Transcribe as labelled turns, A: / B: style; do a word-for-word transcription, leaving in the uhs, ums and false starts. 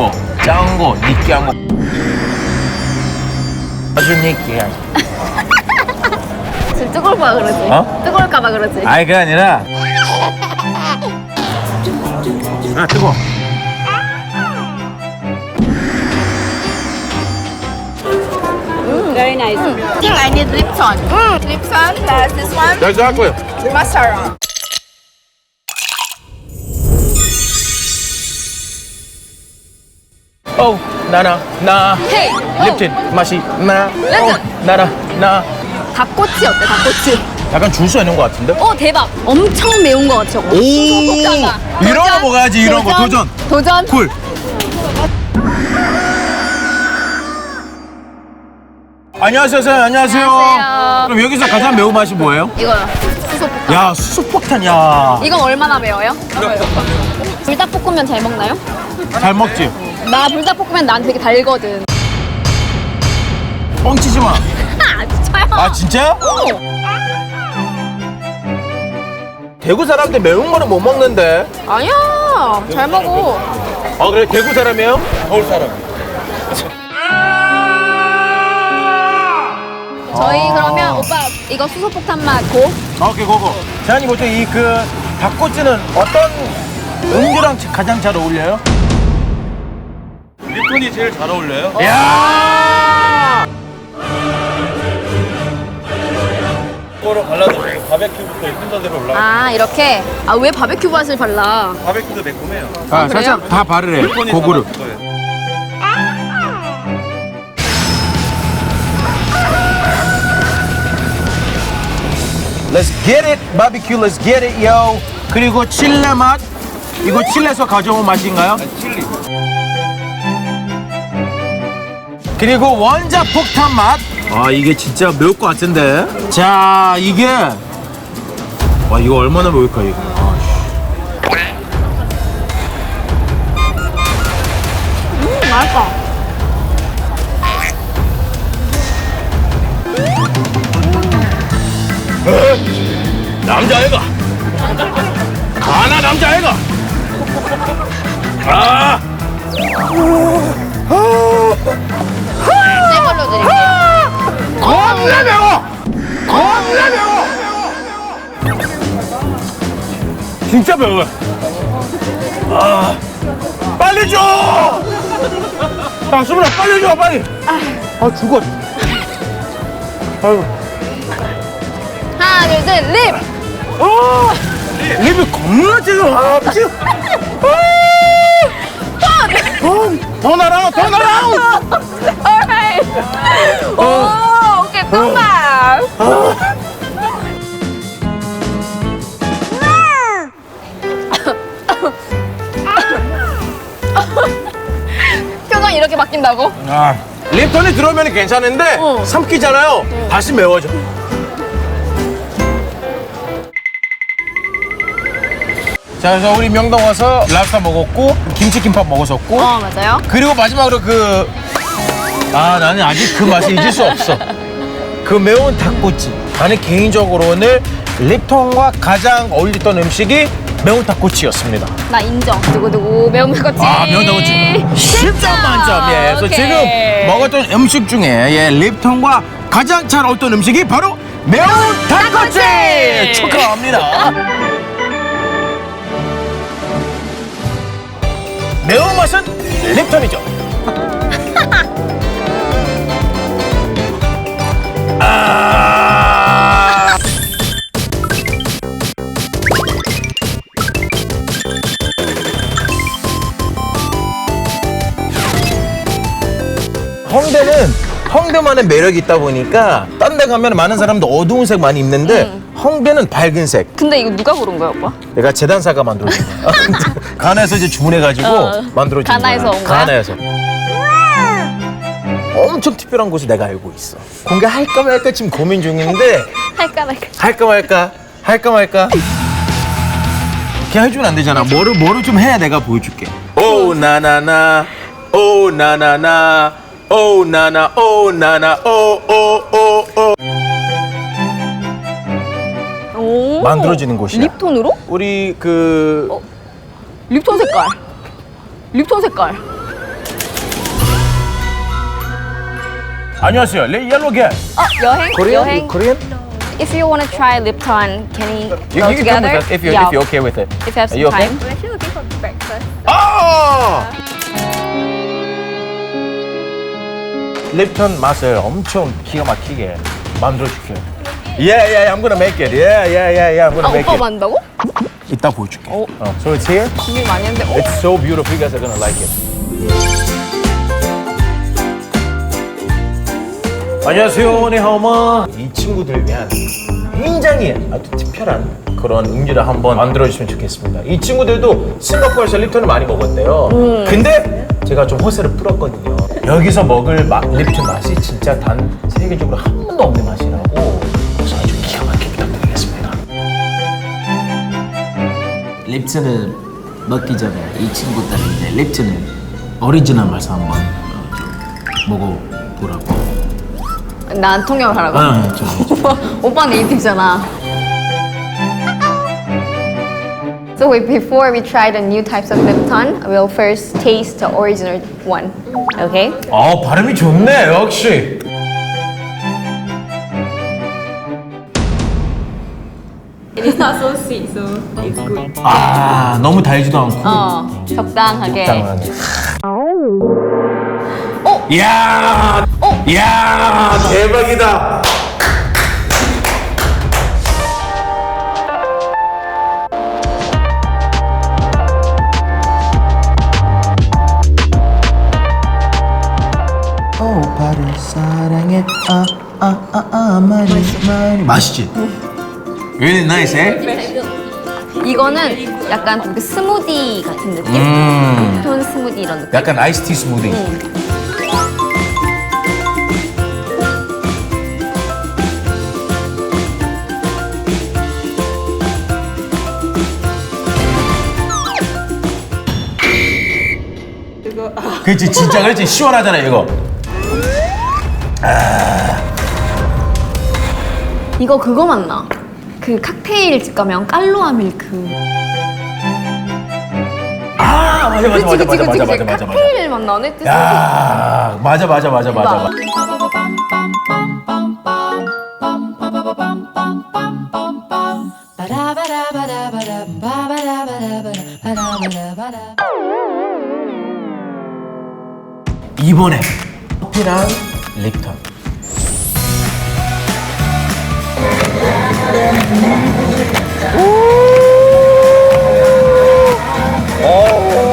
A: 거, 짠 거, 느끼한 거. 아주 느끼해.
B: 지금 뜨거울까 그러지?
A: 어?
B: 뜨거울까봐 그러지?
A: 아이 그게 아니라. 아 뜨거.
C: Very nice.
B: I think I need Lipton. Lipton plus this one.
A: 여기서 할 거예요.
B: Mascara.
A: 어, 나나 나.
B: Hey.
A: 립틴 맛이 나.
B: 립틴.
A: 어, 나나 나.
B: 닭꼬치 어때? 닭꼬치.
A: 약간 줄 서 있는 것 같은데?
B: 어 대박. 엄청 매운 거 같죠?
A: 오, 이런 거 먹어야지. 이런 거 도전.
B: 도전.
A: 쿨. 안녕하세요, 선생님. 안녕하세요.
B: 안녕하세요.
A: 그럼 여기서 가장 매운 맛이 뭐예요?
B: 이거요. 수소폭탄.
A: 야, 수소폭탄, 야.
B: 이건 얼마나 매워요? 불닭볶음면 잘 먹나요?
A: 잘 먹지?
B: 나 불닭볶음면 난 되게 달거든.
A: 뻥치지 마.
B: 아 진짜요?
A: 아, 진짜? 대구 사람들 매운 거는 못 먹는데.
B: 아니야. 잘 먹어.
A: 아, 그래? 대구 사람이에요? 서울 사람.
B: 저희
A: 아.
B: 그러면 오빠 이거 수소폭탄 맛 고.
A: 오케이, 고고. 재환이 보통 이 그 닭꼬치는 어떤 음료랑 가장 잘 어울려요?
D: 립톤이 제일 잘 어울려요.
A: 야!
D: 이거로 발라도 바베큐부터 순서대로 올라가.
B: 아 이렇게. 아 왜 바베큐 맛을 발라?
D: 바베큐도 매콤해요.
A: 아, 살짝 다 바르래.
D: 립톤이
A: 고구려.
D: 더 맛있을 거예요.
A: Let's get it, barbecue. Let's get it, yo. 그리고 칠레 맛. 이거 칠레에서 가져온 맛인가요?
D: 칠리.
A: 그리고 원자 폭탄 맛. 아, 이게 진짜 매울 것 같은데. 자, 이게 와, 이거 얼마나 매울까 이거. 아,
B: 음 맛있다.
A: 남자애가. 가나 남자애가. 아.
B: 새 걸로 드릴게요.
A: 겁나 매워. 겁나 매워. 진짜 매워. 아, 빨리 줘. 야, 수민아, 빨리 줘, 빨리. 아, 죽어. 아유,
B: 하나 둘 셋 립.
A: 아, 립이 겁나 지금. 아, 지금. 아, 더 날아, 더 날아.
B: alright. 오 오케이 똥맛. 표정이 이렇게 바뀐다고?
A: 아, 립톤이 들어오면 괜찮은데
B: 어.
A: 삼키잖아요. 다시 매워져. 자, 그래서 우리 명동 와서 랍스터 먹었고 김치김밥 먹었었고
B: 어 맞아요.
A: 그리고 마지막으로 그 아, 나는 아직 그 맛을 잊을 수 없어. 그 매운 닭꼬치. 나는 개인적으로는 립톤과 가장 어울렸던 음식이 매운 닭꼬치였습니다.
B: 나 인정. 두구두구 매운 닭꼬치.
A: 아, 매운 닭꼬치 십 점 만점. 예, 그래서
B: 오케이.
A: 지금 먹었던 음식 중에 예, 립톤과 가장 잘 어울렸던 음식이 바로 매운 닭꼬치.
B: 닭꼬치!
A: 축하합니다. 매운맛은 립톤이죠. 아. 홍대는 홍대만의 매력이 있다 보니까 딴 데 가면 많은 사람들 어두운 색 많이 입는데 홍대는 밝은 색.
B: 근데 이거 누가 고른 거야 오빠?
A: 내가 재단사가 만들어준 거야. 가나에서 이제 주문해가지고
B: 어,
A: 만들어준 거야.
B: 가나에서 온 거야?
A: 가나에서. 엄청 특별한 곳을 내가 알고 있어. 공개할까 말까 지금 고민 중인데
B: 할까 말까.
A: 할까 말까 할까 말까. 그냥 해주면 안 되잖아. 뭐를 뭐를 좀 해야 내가 보여줄게. 오 나나나 오 나나나 오 나나 오 나나 오오오오
B: 오.
A: 만들어지는 곳이야.
B: 립톤으로?
A: 우리 그
B: 립톤 색깔. 립톤 색깔.
A: 안녕하세요. 레 옐로 겟.
B: 어, 여행? 여행?
A: Korean?
B: If you want to try Lipton, can we
A: You,
B: go
A: you can come
B: together?
A: with us if you're,
B: yeah.
A: if you're okay with it.
B: If you have
A: Are
B: some
A: you okay?
B: time. We're actually looking for breakfast.
A: 아! 립턴 맛을 엄청 기가 막히게 만들어 줄게요. Yeah, yeah, I'm gonna make it. Yeah, yeah, yeah, yeah, I'm gonna
B: 아,
A: make
B: 오빠
A: it.
B: 만다고?
A: 이따 보여줄게.
B: 어.
A: 어, so it's here.
B: 준비 많이 했는데. 어?
A: It's so beautiful. You guys are gonna like it. 안녕하세요, 네하오마. 이 친구들을 위한 굉장히 아주 특별한 그런 음료를 한번 만들어주시면 좋겠습니다. 이 친구들도 싱가포르에서 립턴을 많이 먹었대요.
B: 음.
A: 근데 제가 좀 허세를 풀었거든요. 여기서 먹을 마, 립턴 맛이 진짜 단 세계적으로 한 번도 없는 맛이라고. 그래서 아주 기가 막히게 부탁드리겠습니다.
C: 립슨을 먹기 전에 이 친구들은 이제 립슨을 오리지널 맛을 한번 어, 좀 먹어보라고.
B: 난 통역을 하라고?
C: 아, 저,
B: 오빠, 오빠 네이티브잖아. So wait, before we try the new types of Lipton, we'll first taste the original one. Okay?
A: 아, 발음이 좋네, 역시.
B: It's not so sweet, so it's good.
A: 아, 너무 달지도 않고.
B: 어, 적당하게.
A: 적당하게.
B: 어?
A: 이야!
B: 어?
A: 이야, 대박이다. 오빠를 사랑해. 아, 아, 아, 아, 많이, 많이. 맛있지? Really nice, eh?
B: 이거는 약간 그 스무디 같은 느낌?
A: 음.
B: 톤 스무디 이런 느낌?
A: 약간 아이스티 스무디. 그렇지, 진짜 그렇지. 시원하잖아, 이거.
B: 이거 그거 맞나? 그 칵테일 집 가면 깔로아 밀크.
A: 아, 맞아, 맞아, 맞아,
B: 그치,
A: 맞아,
B: 그치,
A: 맞아,
B: 그치.
A: 맞아, 맞아, 맞아.
B: 칵테일 맛 나네? 뜻이.
A: 야, 맞아, 맞아, 맞아, 맞아. 맞아. 이번에 커피랑 립턴. 오!